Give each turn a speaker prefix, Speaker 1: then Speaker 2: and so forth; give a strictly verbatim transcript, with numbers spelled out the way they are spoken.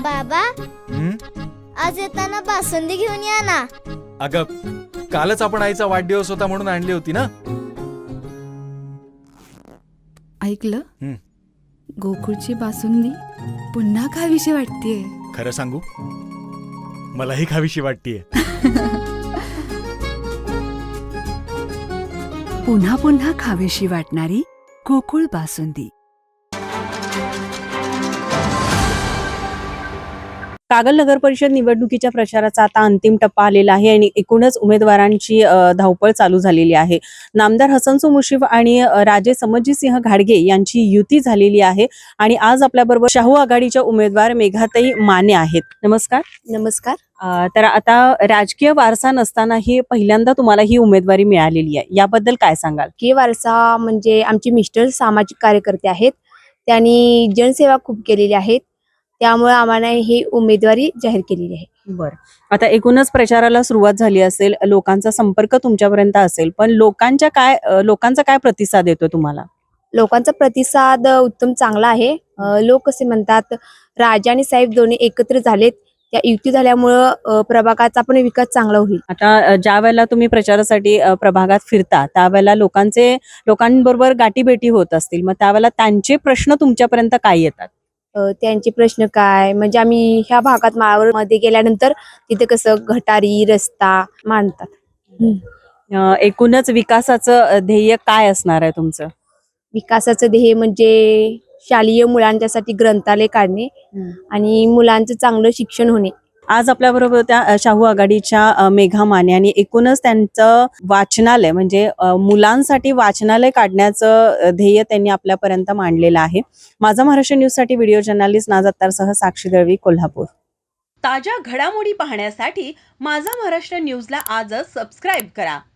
Speaker 1: बाबा,
Speaker 2: हं?
Speaker 1: आज येताना बासुंदी घेऊन या ना.
Speaker 2: अगं, कालच आपण आईचा वाढदिवस होता म्हणून आणली होती ना.
Speaker 3: ऐकलं?
Speaker 2: हं.
Speaker 3: गोकुळची बासुंदी पुन्हा खावीशी वाटतेय.
Speaker 2: खरं सांगू, मलाही खावीशी वाटतेय.
Speaker 4: पुन्हा पुन्हा खावीशी वाटणारी गोकुळ बासुंदी.
Speaker 5: कागल नगर परिषद निवडणुकीच्या प्रचाराचा आता अंतिम टप्पा आलेला आहे आणि एकूणच उमेदवारांची धावपळ चालू झालेली आहे. नामदार हसनसो मुश्रीफ आणि राजे समजीसिंह घाडगे यांची युती झालेली आहे आणि आज आपल्याबरोबर शाहू आघाडीच्या उमेदवार मेघाताई माने आहेत. नमस्कार.
Speaker 6: नमस्कार.
Speaker 5: तर आता राजकीय वारसा नसतानाही पहिल्यांदा तुम्हाला ही उमेदवारी मिळालेली आहे, याबद्दल काय सांगाल?
Speaker 6: राजकीय वारसा म्हणजे आमचे मिस्टर सामाजिक कार्यकर्ते आहेत, त्यांनी जनसेवा खूप केलेली आहेत, त्यामुळे आम्हाला ही उमेदवारी जाहीर केलेली आहे.
Speaker 5: बरं, आता एकूणच प्रचाराला सुरुवात झाली असेल, लोकांचा संपर्क तुमच्यापर्यंत असेल, पण लोकांच्या काय लोकांचा काय प्रतिसाद येतो तुम्हाला?
Speaker 6: लोकांचा प्रतिसाद उत्तम चांगला आहे. लोक कसे म्हणतात, राजा आणि साहेब दोन्ही एकत्र झालेत, त्या युती झाल्यामुळं प्रभागाचा पण विकास चांगला होईल.
Speaker 5: आता ज्या वेळेला तुम्ही प्रचारासाठी प्रभागात फिरता त्यावेळेला लोकांचे लोकांबरोबर गाठीभेटी होत असतील, मग त्यावेळेला त्यांचे प्रश्न तुमच्यापर्यंत काय येतात?
Speaker 6: त्यांचे प्रश्न काय म्हणजे आम्ही ह्या भागात माळावर मध्ये गेल्यानंतर तिथे कसं गटारी रस्ता मांडतात.
Speaker 5: एकूणच विकासाचं ध्येय काय असणार आहे तुमचं?
Speaker 6: विकासाचं ध्येय म्हणजे शालेय मुलांच्यासाठी ग्रंथालय काढणे आणि मुलांचं चांगलं शिक्षण होणे.
Speaker 5: आज आपल्याबरोबर त्या शाहू आघाडीच्या मेघा माने आणि एकूणच त्यांचं वाचनालय म्हणजे मुलांसाठी वाचनालय काढण्याचं ध्येय त्यांनी आपल्यापर्यंत मांडलेलं आहे. माझा महाराष्ट्र न्यूज साठी व्हिडिओ जर्नलिस्ट नाझात्तारसह साक्षी दळवी, कोल्हापूर.
Speaker 7: ताज्या घडामोडी पाहण्यासाठी माझा महाराष्ट्र न्यूजला आजच सबस्क्राईब करा.